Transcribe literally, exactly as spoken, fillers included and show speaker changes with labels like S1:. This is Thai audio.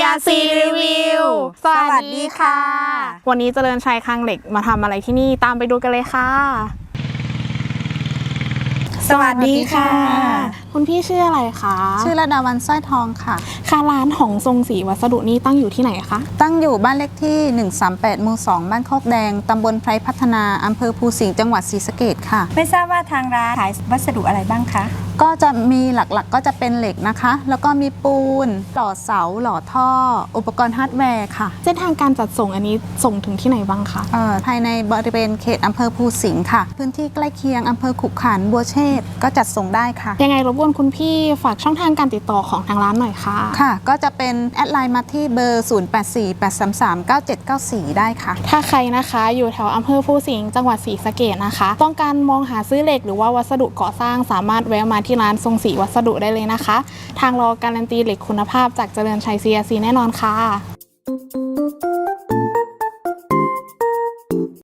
S1: อาร์ ซี Review สวัสดีค่ะ วันนี้เจริญชัยคลังเหล็กมาทำอะไรที่นี่ตามไปดูกันเลยค่ะสวัสดีค่ะคุณพี่ชื่ออะไรคะ
S2: ชื่อระดาวันสร้อยทองค่ะ
S1: ค่ะร้านของทรงศรีวัสดุนี่ตั้งอยู่ที่ไหนคะ
S2: ตั้งอยู่บ้านเลขที่หนึ่งสามแปดหมู่สองบ้านโคกแดงตำบลไพรพัฒนาอำเภอภูสิงห์จังหวัดศรีสะเกษค่ะ
S3: ไม่ทราบว่าทางร้านขายวัสดุอะไรบ้างคะ
S2: ก็จะมีหลักๆก็จะเป็นเหล็กนะคะแล้วก็มีปูนหล่อเสาหล่อท่ออุปกรณ์ฮาร์ดแวร์ค่ะ
S1: เส้นทางการจัดส่งอันนี้ส่งถึงที่ไหนบ้างคะ
S2: ภายในบริเวณเขตอำเภอภูสิงห์ค่ะพื้นที่ใกล้เคียงอำเภอขุขันธ์บัวเชษฐ์ก็จัดส่งได้ค่ะ
S1: ยังไงรบกวนคุณพี่ฝากช่องทางการติดต่อของทางร้านหน่อยค่ะ
S2: ค่ะก็จะเป็นแอดไลน์มาที่เบอร์ศูนย์ แปด สี่ แปด สาม สาม เก้า เจ็ด เก้า สี่ได้ค่ะ
S1: ถ้าใครนะคะอยู่แถวอำเภอภูสิงห์จังหวัดศรีสะเกษนะคะต้องการมองหาซื้อเหล็กหรือว่าวัสดุก่อสร้างสามารถแวะมาที่ร้านทรงศรีวัสดุได้เลยนะคะทางเราการันตีเหล็กคุณภาพจากเจริญชัย ซี อาร์ ซี แน่นอนค่ะ